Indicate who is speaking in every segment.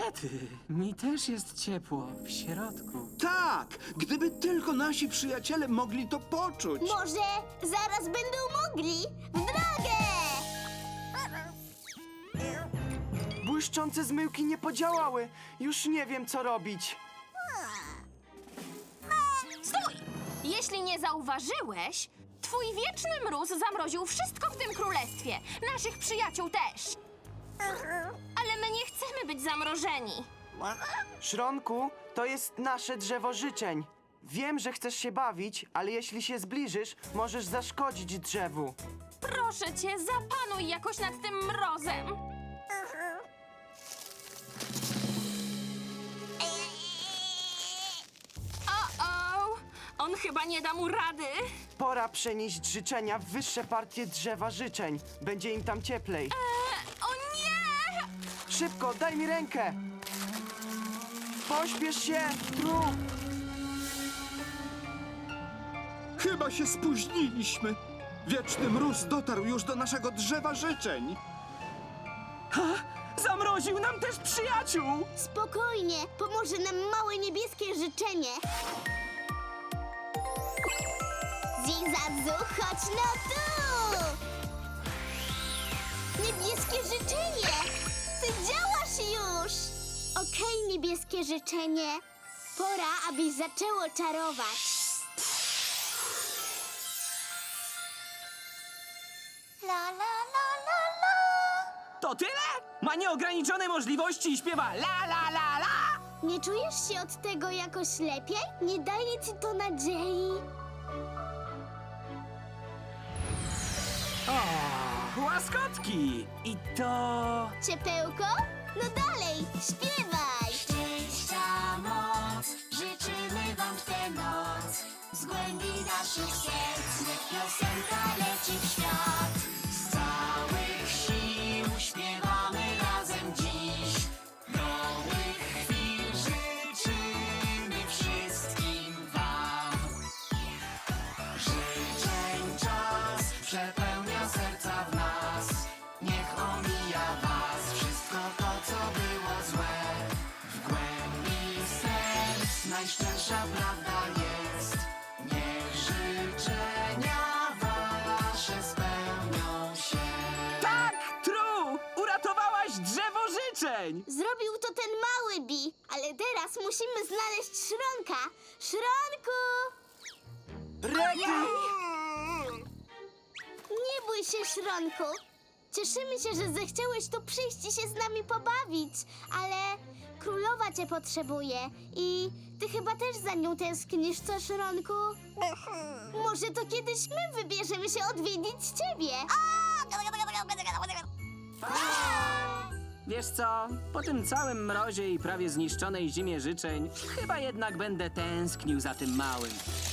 Speaker 1: Rety, mi też jest ciepło w środku.
Speaker 2: Tak, gdyby tylko nasi przyjaciele mogli to poczuć.
Speaker 3: Może zaraz będą mogli. W drogę!
Speaker 4: Błyszczące zmyłki nie podziałały. Już nie wiem, co robić.
Speaker 5: Stój! Jeśli nie zauważyłeś, twój wieczny mróz zamroził wszystko w tym królestwie. Naszych przyjaciół też. Ale my nie chcemy być zamrożeni.
Speaker 4: Szronku, to jest nasze drzewo życzeń. Wiem, że chcesz się bawić, ale jeśli się zbliżysz, możesz zaszkodzić drzewu.
Speaker 5: Proszę cię, zapanuj jakoś nad tym mrozem. O-o! On chyba nie da mu rady.
Speaker 4: Pora przenieść życzenia w wyższe partie drzewa życzeń. Będzie im tam cieplej.
Speaker 5: O nie!
Speaker 4: Szybko, daj mi rękę! Pośpiesz się, Tru!
Speaker 2: Chyba się spóźniliśmy. Wieczny mróz dotarł już do naszego drzewa życzeń.
Speaker 1: Zamroził nam też przyjaciół!
Speaker 3: Spokojnie, pomoże nam małe niebieskie życzenie. Zizazu, chodź no tu! Niebieskie życzenie! Ty działasz już! Okej, niebieskie życzenie. Pora, abyś zaczęło czarować. La la la la la.
Speaker 1: To tyle? Ma nieograniczone możliwości i śpiewa la la la la!
Speaker 3: Nie czujesz się od tego jakoś lepiej? Nie daje ci to nadziei?
Speaker 1: Łaskotki! I to...
Speaker 3: Ciepełko? No dalej, śpiewaj!
Speaker 6: Szczęścia moc, życzymy wam w tę noc. Z głębi naszych serc niech piosenka leci w świat. Z całych sił śpiewamy razem dziś. Nowych chwil życzymy wszystkim wam. Życzeń czas przepełnia serca w nas. Niech omija was wszystko to, co było złe. W głębi serc najszczersza prawda jest. Niech życzenia wasze spełnią się.
Speaker 1: Tak, Tru! Uratowałaś drzewo życzeń!
Speaker 3: Zrobił to ten mały Bi, ale teraz musimy znaleźć Szronka. Szronku!
Speaker 4: Rety!
Speaker 3: Nie bój się, Szronku. Cieszymy się, że zechciałeś tu przyjść i się z nami pobawić, ale królowa cię potrzebuje i ty chyba też za nią tęsknisz, co, Szronku? Może to kiedyś my wybierzemy się odwiedzić ciebie.
Speaker 1: Wiesz co, po tym całym mrozie i prawie zniszczonej zimie życzeń, chyba jednak będę tęsknił za tym małym.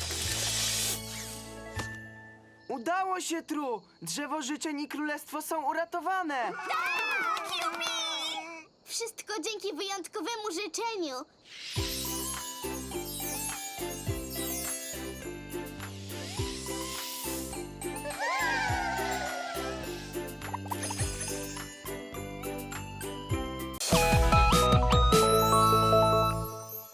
Speaker 4: Udało się, Tru! Drzewo życzeń i królestwo są uratowane!
Speaker 3: Wszystko dzięki wyjątkowemu życzeniu.